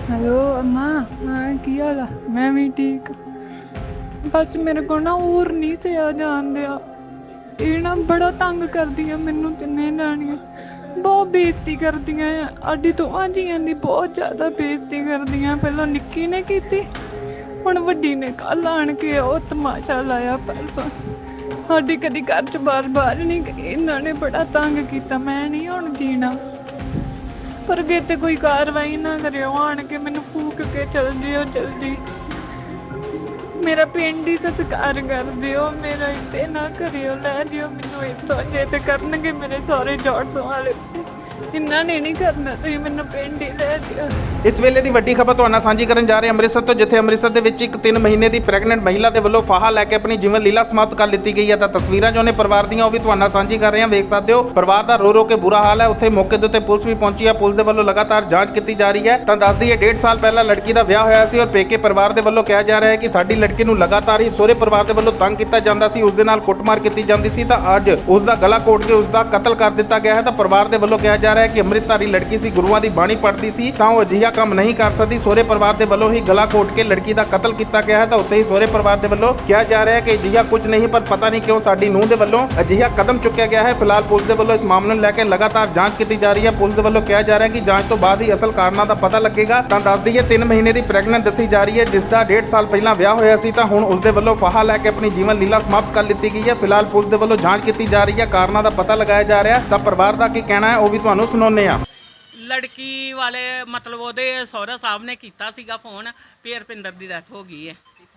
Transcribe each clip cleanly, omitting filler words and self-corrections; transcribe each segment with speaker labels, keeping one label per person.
Speaker 1: Hello अम्मा। हाँ की हाल है? मैं भी ठीक। बस मेरे को ना और नहीं सहा जान दिया। ये ना बड़ा तंग कर दिया मैनू तिन्ने जानियां। बहुत बेइज्जती कर दियां अड्डी तो आजियां दी बहुत ज़्यादा बेइज्जती कर दियां। पहलों निक्की ने की हुण वड्डी ने कल आण के वो तमाशा लाया परसों। साडी कदी घर च बार नहीं गई। इन्होंने बड़ा तंग किया। मैं नहीं हुण जीना। पर अगे ते कोई कार्रवाई ना करियो। आण के मैनू फूक के चल जियो जल्दी। मेरा पिंड ही संस्कार कर दियो। मेरा इत्थे ना करियो। लै जियो मैनू इत्थों। जे ते करनगे मेरे सौरे जॉर्सों वाले, इन्हां ने नहीं करना। तुसीं मैनू पिंड ही लै जियो।
Speaker 2: ਇਸ ਵੇਲੇ ਦੀ ਵੱਡੀ ਖਬਰ ਤੁਹਾਨੂੰ ਸਾਂਝੀ ਕਰਨ ਜਾ ਰਹੇ ਹਾਂ ਅੰਮ੍ਰਿਤਸਰ ਤੋਂ, ਜਿੱਥੇ ਅੰਮ੍ਰਿਤਸਰ ਦੇ ਵਿੱਚ ਇੱਕ 3 ਮਹੀਨੇ ਦੀ ਪ੍ਰੈਗਨੈਂਟ ਮਹਿਲਾ ਦੇ ਵੱਲੋਂ ਫਾਹਾ ਲੈ ਕੇ ਆਪਣੀ ਜੀਵਨ ਲੀਲਾ ਸਮਾਪਤ ਕਰ ਲਿੱਤੀ ਗਈ ਹੈ। ਤਾਂ ਤਸਵੀਰਾਂ ਜੋ ਨੇ ਪਰਿਵਾਰ ਦੀਆਂ ਉਹ ਵੀ ਤੁਹਾਨੂੰ ਸਾਂਝੀ ਕਰ ਰਹੇ ਹਾਂ। ਵੇਖ ਸਕਦੇ ਹੋ ਪਰਿਵਾਰ ਦਾ ਰੋ ਕੇ ਬੁਰਾ ਹਾਲ ਹੈ। ਉੱਥੇ ਮੌਕੇ ਦੇ ਉੱਤੇ ਪੁਲਿਸ ਵੀ ਪਹੁੰਚੀ ਹੈ। ਪੁਲਿਸ ਦੇ ਵੱਲੋਂ ਲਗਾਤਾਰ ਜਾਂਚ ਕੀਤੀ ਜਾ ਰਹੀ ਹੈ। ਤਾਂ ਦੱਸ ਦਈਏ 1.5 ਸਾਲ ਪਹਿਲਾਂ ਲੜਕੀ ਦਾ ਵਿਆਹ ਹੋਇਆ ਸੀ ਔਰ ਪੇਕੇ ਪਰਿਵਾਰ ਦੇ ਵੱਲੋਂ ਕਿਹਾ ਜਾ ਰਿਹਾ ਹੈ ਕਿ ਸਾਡੀ ਲੜਕੀ ਨੂੰ ਲਗਾਤਾਰ ਹੀ ਸਹੁਰੇ ਪਰਿਵਾਰ ਦੇ ਵੱਲੋਂ ਤੰਗ ਕੀਤਾ ਜਾਂਦਾ ਸੀ, ਉਸ ਦੇ ਨਾਲ ਕੁੱਟਮਾਰ ਕੀਤੀ ਜਾਂਦੀ ਸੀ। ਤਾਂ ਅੱਜ ਉਸ ਦਾ ਗਲਾ ਘੋਟ ਕੇ ਉਸ ਦਾ ਕਤਲ ਕਰ ਦਿੱਤਾ ਗਿਆ ਹੈ। ਤਾਂ ਪਰਿਵਾਰ ਦੇ ਵੱਲੋਂ ਕਿਹਾ ਜਾ ਰਿਹਾ ਹੈ ਕਿ ਅੰਮ੍ਰਿਤਧਾਰੀ ਲੜਕੀ ਸੀ, ਗੁਰੂਆਂ ਦੀ ਬਾਣੀ ਪੜ੍ਹਦੀ ਸੀ, ਤਾਂ ਉਹ ਅਜਿਹਾ ਕੰਮ ਨਹੀਂ ਕਰ ਸਕਦੀ। ਸਹੁਰੇ ਪਰਿਵਾਰ ਦੇ ਵੱਲੋਂ ਹੀ ਗਲਾ ਘੋਟ ਕੇ ਲੜਕੀ ਦਾ ਕਤਲ ਕੀਤਾ ਗਿਆ ਹੈ। ਤਾਂ ਉੱਥੇ ਹੀ ਸਹੁਰੇ ਪਰਿਵਾਰ ਦੇ ਵੱਲੋਂ ਕਿਹਾ ਜਾ ਰਿਹਾ ਹੈ ਕਿ ਅਜਿਹਾ ਕੁਝ ਨਹੀਂ, ਪਰ ਪਤਾ ਨਹੀਂ ਕਿਉਂ ਸਾਡੀ ਨੂੰਹ ਦੇ ਵੱਲੋਂ ਅਜਿਹਾ ਕਦਮ ਚੁੱਕਿਆ ਗਿਆ ਹੈ। ਫਿਲਹਾਲ ਪੁਲਿਸ ਦੇ ਵੱਲੋਂ ਇਸ ਮਾਮਲੇ ਨੂੰ ਲੈ ਕੇ ਲਗਾਤਾਰ ਜਾਂਚ ਕੀਤੀ ਜਾ ਰਹੀ ਹੈ। ਪੁਲਿਸ ਦੇ ਵੱਲੋਂ ਕਿਹਾ ਜਾ ਰਿਹਾ ਹੈ ਕਿ ਜਾਂਚ ਤੋਂ ਬਾਅਦ ਹੀ ਅਸਲ ਕਾਰਨਾਂ ਦਾ ਪਤਾ ਲੱਗੇਗਾ। ਤਾਂ ਦੱਸ ਦਈਏ 3 ਮਹੀਨੇ ਦੀ ਪ੍ਰੈਗਨੈਂਟ ਦੱਸੀ ਜਾ ਰਹੀ ਹੈ, ਜਿਸ ਦਾ 1.5 ਸਾਲ ਪਹਿਲਾਂ ਵਿਆਹ ਹੋਇਆ ਸੀ। ਤਾਂ ਹੁਣ ਉਸ ਦੇ ਵੱਲੋਂ ਫਾਹਾ ਲੈ ਕੇ ਆਪਣੀ ਜੀਵਨ ਲੀਲਾ ਸਮਾਪਤ ਕਰ ਲਿੱਤੀ ਗਈ ਹੈ। ਫਿਲਹਾਲ ਪੁਲਿਸ ਦੇ ਵੱਲੋਂ ਜਾਂਚ ਕੀਤੀ ਜਾ ਰਹੀ ਹੈ, ਕਾਰਨਾਂ ਦਾ ਪਤਾ ਲਗਾਇਆ ਜਾ ਰਿਹਾ ਹੈ। ਤਾਂ ਪਰਿਵਾਰ ਦਾ ਕੀ ਕਹਿਣਾ ਹੈ ਉਹ ਵੀ ਤੁਹਾਨੂੰ ਸੁਣਾਉਂਦੇ ਹਾਂ।
Speaker 3: ਲੜਕੀ ਵਾਲੇ ਮਤਲਬ ਉਹਦੇ ਸਹੁਰਾ ਸਾਹਿਬ ਨੇ ਕੀਤਾ ਸੀਗਾ ਫੋਨ ਵੀ ਰੁਪਿੰਦਰ ਦੀ ਡੈਥ ਹੋ ਗਈ ਹੈ।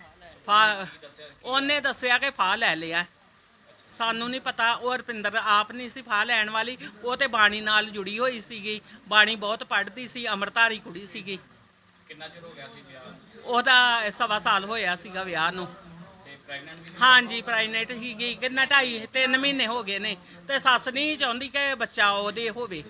Speaker 3: ਉਹਨੇ ਦੱਸਿਆ ਕਿ ਫਾਹ ਲੈ ਲਿਆ। ਸਾਨੂੰ ਨਹੀਂ ਪਤਾ। ਉਹ ਰੁਪਿੰਦਰ ਆਪ ਨਹੀਂ ਸੀ ਫਾਹ ਲੈਣ ਵਾਲੀ। ਉਹ ਤੇ ਬਾਣੀ ਨਾਲ ਜੁੜੀ ਹੋਈ ਸੀਗੀ। ਬਾਣੀ ਬਹੁਤ ਪੜ੍ਹਦੀ ਸੀ, ਅੰਮ੍ਰਿਤਧਾਰੀ ਕੁੜੀ ਸੀਗੀ।
Speaker 2: ਕਿੰਨਾ ਚਿਰ ਹੋ ਗਿਆ ਸੀ ਵਿਆਹ?
Speaker 3: ਉਹਦਾ 1.25 ਸਾਲ ਹੋਇਆ ਸੀਗਾ ਵਿਆਹ ਨੂੰ। ਹਾਂਜੀ ਪ੍ਰੈਗਨੈਂਟ ਸੀਗੀ। ਕਿੰਨਾ 2.5-3 ਮਹੀਨੇ ਹੋ ਗਏ ਨੇ। ਤੇ ਸੱਸ ਨਹੀਂ ਚਾਹੁੰਦੀ ਕਿ ਬੱਚਾ ਉਹਦੇ ਹੋਵੇ।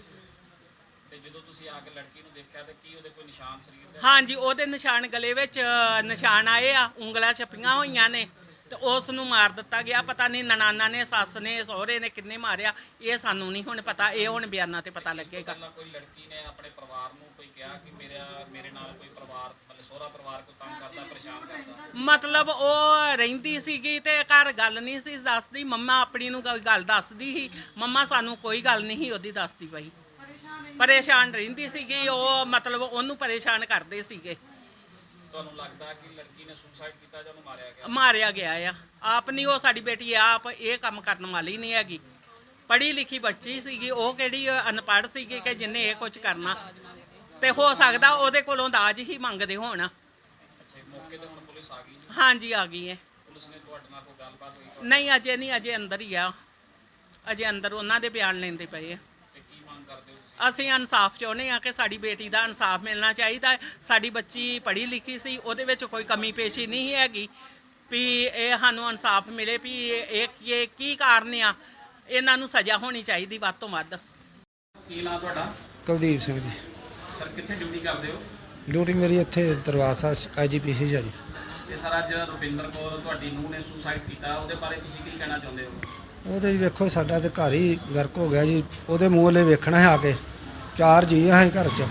Speaker 2: ਜਦੋਂ ਤੁਸੀਂ ਆ ਕੇ ਲੜਕੀ ਨੂੰ ਦੇਖਿਆ ਤੇ ਕੀ ਉਹਦੇ ਕੋਈ ਨਿਸ਼ਾਨ ਸਰੀਰ ਤੇ?
Speaker 3: ਹਾਂਜੀ ਉਹਦੇ ਨਿਸ਼ਾਨ ਗਲੇ ਵਿੱਚ ਨਿਸ਼ਾਨ ਆਏ ਆ, ਉਂਗਲਾਂ ਛਪੀਆਂ ਹੋਈਆਂ ਨੇ। ਤੇ ਉਸ ਨੂੰ ਮਾਰ ਦਿੱਤਾ ਗਿਆ। ਪਤਾ ਨਹੀਂ ਨਨਾਨਾ ਨੇ, ਸੱਸ ਨੇ, ਸਹੁਰੇ ਨੇ ਕਿੰਨੇ ਮਾਰਿਆ ਇਹ ਸਾਨੂੰ ਨਹੀਂ ਹੁਣ ਪਤਾ। ਇਹ ਹੁਣ ਬਿਆਨਾਂ ਤੇ ਪਤਾ ਲੱਗੇਗਾ।
Speaker 2: ਕੋਈ ਲੜਕੀ ਨੇ ਆਪਣੇ ਪਰਿਵਾਰ ਨੂੰ ਕੋਈ ਕਿਹਾ ਕਿ ਮੇਰੇ ਨਾਲ ਕੋਈ ਪਰਿਵਾਰ ਮਤਲਬ ਸਹੁਰਾ ਪਰਿਵਾਰ ਕੋਈ ਤੰਗ ਕਰਦਾ, ਪਰੇਸ਼ਾਨ ਕਰਦਾ?
Speaker 3: ਮਤਲਬ ਉਹ ਰਹਿੰਦੀ ਸੀਗੀ ਤੇ ਘਰ ਗੱਲ ਨਹੀਂ ਸੀ ਦੱਸਦੀ। ਮੰਮਾ ਆਪਣੀ ਨੂੰ ਕੋਈ ਗੱਲ ਦੱਸਦੀ ਸੀ। ਮੰਮਾ ਸਾਨੂੰ ਕੋਈ ਗੱਲ ਨਹੀਂ ਸੀ ਉਹਦੀ ਦੱਸਦੀ ਪਈ। ਪਰੇਸ਼ਾਨ ਰਹਿੰਦੀ ਸੀਗੀ ਉਹ। ਮਤਲਬ ਉਹਨੂੰ ਪਰੇਸ਼ਾਨ ਕਰਦੇ ਸੀਗੇ।
Speaker 2: ਤੁਹਾਨੂੰ ਲੱਗਦਾ ਕਿ ਲੜਕੀ ਨੇ ਸੁਸਾਈਡ ਕੀਤਾ ਜਾਂ ਉਹਨੂੰ ਮਾਰਿਆ ਗਿਆ?
Speaker 3: ਮਾਰਿਆ ਗਿਆ ਆ। ਆਪ ਨਹੀਂ ਉਹ ਸਾਡੀ ਬੇਟੀ ਆਪ ਇਹ ਕੰਮ ਕਰਨ ਵਾਲੀ ਨਹੀਂ ਹੈਗੀ। ਪੜ੍ਹੀ ਲਿਖੀ ਬੱਚੀ ਸੀਗੀ ਉਹ। ਕਿਹੜੀ ਅਨਪੜ੍ਹ ਸੀਗੀ ਕਿ ਜਿੰਨੇ ਇਹ ਕੁਝ ਕਰਨਾ। ਤੇ ਹੋ ਸਕਦਾ ਉਹਦੇ ਕੋਲੋਂ ਦਾਜ ਹੀ ਮੰਗਦੇ ਹੋਣ।
Speaker 2: ਮੌਕੇ ਤੇ ਹੁਣ ਪੁਲਿਸ ਆ ਗਈ?
Speaker 3: ਹਾਂਜੀ ਆ ਗਈ ਹੈ।
Speaker 2: ਪੁਲਿਸ ਨੇ ਤੁਹਾਡੇ ਨਾਲ ਕੋਈ ਗੱਲਬਾਤ ਹੋਈ?
Speaker 3: ਨਹੀਂ ਅਜੇ ਨਹੀਂ, ਅਜੇ ਅੰਦਰ ਹੀ ਆ। ਅਜੇ ਅੰਦਰ ਉਹਨਾਂ ਦੇ ਬਿਆਨ ਲੈਂਦੇ ਪਏ ਆ।
Speaker 2: ਕੀ ਮੰਗ ਕਰਦੇ ਹੋ?
Speaker 3: ਅਸੀਂ ਇਨਸਾਫ ਚਾਹੁੰਦੇ ਹਾਂ ਕਿ ਸਾਡੀ ਬੇਟੀ ਦਾ ਇਨਸਾਫ ਮਿਲਣਾ ਚਾਹੀਦਾ। ਸਾਡੀ ਬੱਚੀ ਪੜ੍ਹੀ ਲਿਖੀ ਸੀ, ਉਹਦੇ ਵਿੱਚ ਕੋਈ ਕਮੀ ਪੇਸ਼ੀ ਨਹੀਂ ਹੈਗੀ। ਵੀ ਇਹ ਸਾਨੂੰ ਇਨਸਾਫ ਮਿਲੇ ਵੀ ਇਹ ਕੀ ਕਾਰਨ ਆ। ਇਹਨਾਂ ਨੂੰ ਸਜ਼ਾ ਹੋਣੀ ਚਾਹੀਦੀ ਵੱਧ ਤੋਂ ਵੱਧ।
Speaker 2: ਕੀ ਨਾਮ ਤੁਹਾਡਾ?
Speaker 4: ਕੁਲਦੀਪ ਸਿੰਘ ਜੀ।
Speaker 2: ਸਰ ਕਿੱਥੇ ਡਿਊਟੀ ਕਰਦੇ ਹੋ?
Speaker 4: ਡਿਊਟੀ ਮੇਰੀ ਇੱਥੇ ਦਰਬਾਰ ਸਾਹਿਬ IGPC ਜੀ।
Speaker 2: ਤੇ ਸਰ ਅੱਜ ਰੁਪਿੰਦਰ ਕੌਰ ਤੁਹਾਡੀ ਨੂੰਹ ਨੇ ਸੁਸਾਈਡ ਕੀਤਾ, ਉਹਦੇ ਬਾਰੇ ਤੁਸੀਂ ਕੀ ਕਹਿਣਾ ਚਾਹੁੰਦੇ ਹੋ?
Speaker 4: ਉਹਦੇ ਵੇਖੋ ਸਾਡਾ ਤੇ ਘਰ ਹੀ ਗਰਕ ਹੋ ਗਿਆ ਜੀ। ਉਹਦੇ ਮੂੰਹ ਵੱਲੇ ਵੇਖਣਾ ਹੈ ਆ ਕੇ। 4 ਜੀ ਆ ਅਸੀਂ ਘਰ 'ਚ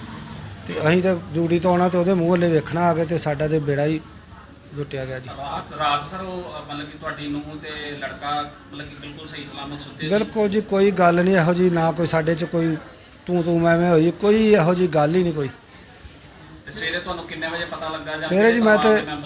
Speaker 4: ਤੇ ਅਸੀਂ ਤਾਂ ਡਿਊਟੀ ਤੋਂ ਆਉਣਾ ਤੇ ਉਹਦੇ ਮੂੰਹ ਵੱਲੇ ਵੇਖਣਾ ਆ ਕੇ ਤੇ ਸਾਡਾ ਤੇ ਬੇੜਾ ਹੀ ਲੁੱਟਿਆ ਗਿਆ ਜੀ।
Speaker 2: ਰਾਤ ਸਰ ਉਹ ਮਤਲਬ ਕਿ ਤੁਹਾਡੀ ਨੂੰਹ ਤੇ ਲੜਕਾ ਮਤਲਬ ਕਿ ਬਿਲਕੁਲ ਸਹੀ ਸਲਾਮਤ ਸੁੱਤੇ?
Speaker 4: ਬਿਲਕੁਲ ਜੀ, ਕੋਈ ਗੱਲ ਨਹੀਂ ਇਹੋ ਜੀ। ਨਾ ਕੋਈ ਸਾਡੇ 'ਚ ਕੋਈ ਤੂੰ ਮੈਂ ਹੋਈ, ਕੋਈ ਇਹੋ ਜੀ ਗੱਲ ਹੀ ਨਹੀਂ ਕੋਈ।
Speaker 2: ਤੇ ਸਵੇਰੇ ਤੁਹਾਨੂੰ ਕਿੰਨੇ ਵਜੇ ਪਤਾ ਲੱਗਾ? ਜਾਂ
Speaker 4: ਸਵੇਰੇ ਜੀ ਮੈਂ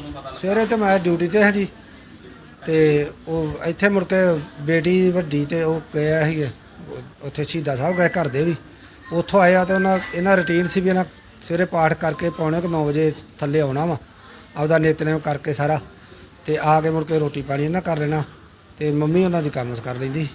Speaker 4: ਤੇ ਮੈਂ ਡਿਊਟੀ ਤੇ ਹਾਂ ਜੀ। ਤੇ ਉਹ ਇੱਥੇ ਮੁੜ ਕੇ ਬੇਟੀ ਵੱਡੀ ਤੇ ਉਹ ਗਿਆ ਸੀ ਉੱਥੇ ਸ਼ਹੀਦਾਂ ਸਾਹਿਬ ਗਏ ਘਰ ਦੇ ਵੀ। ਉੱਥੋਂ ਆਇਆ ਤੇ ਇਹਨਾਂ ਰੂਟੀਨ ਸੀ ਵੀ ਇਹਨਾਂ ਸਵੇਰੇ ਪਾਠ ਕਰਕੇ ਪੌਣੇ 9 ਵਜੇ ਥੱਲੇ ਆਉਣਾ ਵਾ, ਆਪਦਾ ਨਿਤਨੇਮ ਕਰਕੇ ਸਾਰਾ। ਤੇ ਆ ਕੇ ਮੁੜ ਕੇ ਰੋਟੀ ਪਾਣੀ ਇਹਨਾਂ ਕਰ ਲੈਣਾ ਤੇ ਮੰਮੀ ਉਹਨਾਂ ਦੀ ਕੰਮ ਕਰ ਲੈਂਦੀ।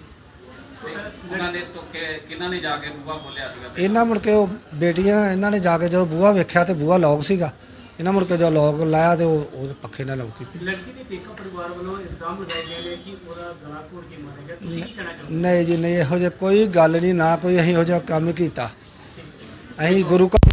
Speaker 2: ਉਹਨਾਂ ਨੇ ਤੋਂ ਕਿਹਨਾਂ ਨੇ ਜਾ ਕੇ ਬੂਹਾ ਖੋਲਿਆ ਸੀਗਾ?
Speaker 4: ਇਹਨਾਂ ਮੁੜ ਕੇ ਉਹ ਬੇਟੀਆਂ ਇਹਨਾਂ ਨੇ ਜਾ ਕੇ ਜਦੋਂ ਬੂਹਾ ਵੇਖਿਆ ਤੇ ਬੂਹਾ ਲੌਕ ਸੀਗਾ। ਇਹਨਾਂ ਮੁੜ ਕੇ ਜਦੋਂ ਲੌਕ ਲਾਇਆ ਤੇ ਉਹ ਪੱਖੇ ਨਾਲ ਲੌਕੀ।
Speaker 5: ਲੜਕੀ ਦੇ ਪੇਕਾ ਪਰਿਵਾਰ ਵੱਲੋਂ ਇਲਜ਼ਾਮ ਲਗਾਏ ਗਏ ਨੇ ਕਿ ਉਹਦਾ ਗਲਾ ਘੋਟ ਕੇ ਮਾਰਿਆ ਗਿਆ। ਤੁਸੀਂ ਕੀ ਕਹਿਣਾ ਚਾਹੁੰਦੇ?
Speaker 4: ਨਹੀਂ ਜੀ ਨਹੀਂ, ਇਹੋ ਜਿਹਾ ਕੋਈ ਗੱਲ ਨਹੀਂ। ਨਾ ਕੋਈ ਅਸੀਂ ਇਹੋ ਜਿਹਾ ਕੰਮ ਕੀਤਾ। ਅਸੀਂ ਗੁਰੂ ਘਰ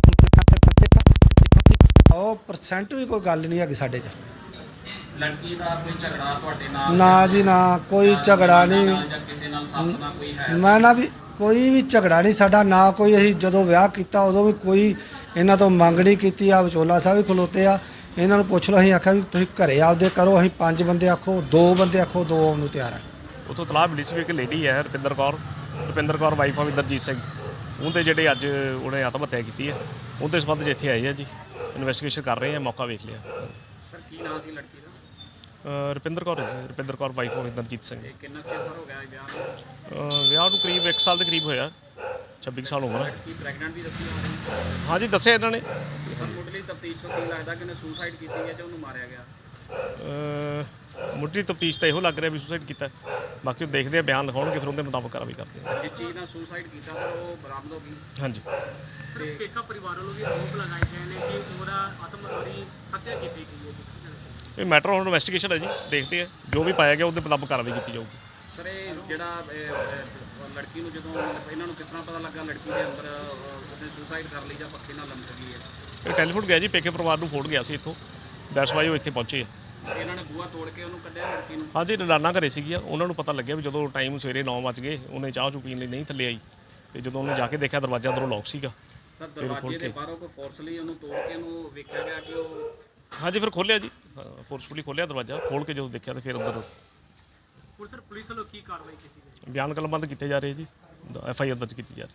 Speaker 4: 100% ਵੀ ਕੋਈ ਗੱਲ ਨਹੀਂ ਹੈਗੀ ਸਾਡੇ 'ਚ।
Speaker 2: ਲੜਕੀ ਦਾ ਕੋਈ ਝਗੜਾ ਤੁਹਾਡੇ ਨਾਲ?
Speaker 4: ਨਾ ਜੀ ਨਾ, ਕੋਈ ਝਗੜਾ ਨਹੀਂ।
Speaker 2: ਜਾਂ ਕਿਸੇ ਨਾਲ ਸੱਸ ਨਾਲ ਕੋਈ ਹੈ?
Speaker 4: ਮੈਂ ਨਾ ਵੀ ਕੋਈ ਵੀ ਝਗੜਾ ਨਹੀਂ ਸਾਡਾ। ਨਾ ਕੋਈ ਅਸੀਂ ਜਦੋਂ ਵਿਆਹ ਕੀਤਾ ਉਦੋਂ ਵੀ ਕੋਈ ਇਹਨਾਂ ਤੋਂ ਮੰਗ ਨਹੀਂ ਕੀਤੀ। ਆ ਵਿਚੋਲਾ ਸਾਹਿਬ ਵੀ ਖਲੋਤੇ ਆ, ਇਹਨਾਂ ਨੂੰ ਪੁੱਛ ਲਓ। ਅਸੀਂ ਆਖਿਆ ਵੀ ਤੁਸੀਂ ਘਰੇ ਆਪਦੇ ਕਰੋ, ਅਸੀਂ 5 ਬੰਦੇ ਆਖੋ, 2 ਬੰਦੇ ਆਖੋ, 2 ਆਉਣ ਨੂੰ ਤਿਆਰ ਆ।
Speaker 6: ਉੱਥੋਂ ਤਲਾਹ ਮਿਲੀ ਸੀ ਵੀ ਇੱਕ ਲੇਡੀ ਹੈ ਰੁਪਿੰਦਰ ਕੌਰ ਵਾਈਫ ਆਫ ਇੰਦਰਜੀਤ ਸਿੰਘ, ਉਹਦੇ ਜਿਹੜੇ ਅੱਜ ਉਹਨੇ ਆਤਮ ਹੱਤਿਆ ਕੀਤੀ ਹੈ, ਉਹਦੇ ਸੰਬੰਧ 'ਚ ਇੱਥੇ ਆਏ ਆ ਜੀ। ਇਨਵੈਸਟੀਗੇਸ਼ਨ ਕਰ ਰਹੇ ਆ, ਮੌਕਾ ਵੇਖ ਲਿਆ।
Speaker 5: ਸਰ ਕੀ ਨਾਂ ਸੀ ਲੜਕੀ ਦਾ?
Speaker 6: Rupinder Kaur wife of Inderjit Singh.
Speaker 5: ਕਿੰਨਾ ਚਿਰ ਸਰ ਹੋ ਗਿਆ ਵਿਆਹ ਨੂੰ?
Speaker 6: ਵਿਆਹ ਨੂੰ ਕਰੀਬ 1 ਸਾਲ ਦੇ ਕਰੀਬ ਹੋਇਆ, 26 ਸਾਲ ਉਮਰ ਹੈ।
Speaker 5: ਕੀ ਪ੍ਰੈਗਨੈਂਟ ਵੀ ਦੱਸੀ ਹੋਣੀ?
Speaker 6: ਹਾਂਜੀ ਦੱਸਿਆ ਇਹਨਾਂ ਨੇ।
Speaker 5: ਸਰ ਮੁੱਢਲੀ ਤਫਤੀਸ਼ ਤੋਂ ਕੀ ਲੱਗਦਾ ਕਿ ਉਹਨੇ ਸੁਸਾਈਡ ਕੀਤੀ ਹੈ ਜਾਂ ਉਹਨੂੰ ਮਾਰਿਆ ਗਿਆ?
Speaker 6: ਮੁੱਢਲੀ ਤਫਤੀਸ਼ ਤਾਂ ਇਹੋ ਲੱਗ ਰਿਹਾ ਵੀ ਸੁਸਾਈਡ ਕੀਤਾ, ਬਾਕੀ ਉਹ ਦੇਖਦੇ ਆ, ਬਿਆਨ ਲਿਖਾਉਣਗੇ, ਫਿਰ ਉਹਦੇ ਮੁਤਾਬਕ ਕਾਰਵਾਈ ਕਰਦੇ ਆ।
Speaker 5: ਜਿਸ ਚੀਜ਼ ਨਾਲ ਸੁਸਾਈਡ ਕੀਤਾ ਸਰ ਉਹ ਬਰਾਮਦ ਹੋ ਗਈ।
Speaker 6: ਹਾਂਜੀ।
Speaker 5: ਸਰ ਪੇਕਾ ਪਰਿਵਾਰ ਵੱਲੋਂ ਵੀ ਆਰੋਪ ਲਗਾਏ ਗਏ ਨੇ ਕਿ ਉਹਦਾ ਆਤਮਹੱਤਿਆ ਹੱਤਿਆ ਕੀਤੀ ਗਈ ਹੈ।
Speaker 6: ਇਹ ਮੈਟਰ ਹੁਣ ਇਨਵੈਸਟੀਗੇਸ਼ਨ ਹੈ ਜੀ, ਦੇਖਦੇ ਆ ਜੋ ਵੀ ਪਾਇਆ ਗਿਆ ਉਹਦੇ ਮੁਤਾਬਕ ਕਾਰਵਾਈ ਕੀਤੀ ਜਾਊਗੀ।
Speaker 5: ਸਰ ਇਹ ਜਿਹੜਾ ਲੜਕੀ ਨੂੰ ਜਦੋਂ ਇਹਨਾਂ ਨੂੰ ਕਿਸ ਤਰ੍ਹਾਂ ਪਤਾ ਲੱਗਾ ਲੜਕੀ ਦੇ ਅੰਦਰ ਉਹਨੇ ਸੁਸਾਈਡ ਕਰ ਲਈ ਜਾਂ ਪੱਖੇ ਨਾਲ ਲਮਕ ਗਈ ਹੈ?
Speaker 6: ਇਹ ਟੈਲੀਫੋਨ ਗਿਆ ਜੀ, ਪੇਕੇ ਪਰਿਵਾਰ ਨੂੰ ਫੋਨ ਗਿਆ ਸੀ ਇੱਥੋਂ, ਦੈਟਸ ਵਾਈ ਉਹ ਇੱਥੇ ਪਹੁੰਚੇ ਆ।
Speaker 5: ਇਹਨਾਂ ਨੇ ਬੂਹਾ ਤੋੜ ਕੇ ਉਹਨੂੰ ਕੱਢਿਆ ਲੜਕੀ ਨੂੰ?
Speaker 6: ਹਾਂਜੀ, ਨਨਾਨਾ ਘਰੇ ਸੀਗੀਆਂ, ਉਹਨਾਂ ਨੂੰ ਪਤਾ ਲੱਗਿਆ ਵੀ ਜਦੋਂ ਟਾਈਮ ਸਵੇਰੇ 9 ਵਜ ਗਏ, ਉਹਨੇ ਚਾਹ ਚੂ ਪੀਣ ਲਈ ਨਹੀਂ ਥੱਲੇ ਆਈ, ਤੇ ਜਦੋਂ ਉਹਨੇ ਜਾ ਕੇ ਦੇਖਿਆ ਦਰਵਾਜ਼ਾ ਅੰਦਰੋਂ ਲੌਕ ਸੀਗਾ।
Speaker 5: ਸਰ ਦਰਵਾਜ਼ੇ ਦੇ ਬਾਹਰੋਂ ਕੋਈ ਫੋਰਸਲੀ ਉਹਨੂੰ ਤੋੜ ਕੇ ਉਹਨੂੰ ਵੇਖਿਆ ਗਿਆ ਕਿ ਉਹ?
Speaker 6: ਹਾਂਜੀ, ਫਿਰ ਖੋਲ੍ਹਿਆ ਜੀ, ਫੋਰਸਫੁਲੀ ਖੋਲ੍ਹਿਆ ਦਰਵਾਜ਼ਾ, ਖੋਲ੍ਹ ਕੇ ਜਦੋਂ ਦੇਖਿਆ ਤਾਂ ਫਿਰ ਅੰਦਰ
Speaker 5: ਹੁਣ ਸਰ ਪੁਲਿਸ ਵੱਲੋਂ ਕੀ ਕਾਰਵਾਈ ਕੀਤੀ ਗਈ?
Speaker 6: ਬਿਆਨ ਕਲਮਬੰਦ ਕੀਤੇ ਜਾ ਰਹੇ ਜੀ, FIR ਦਰਜ ਕੀਤੀ ਜਾ ਰਹੀ।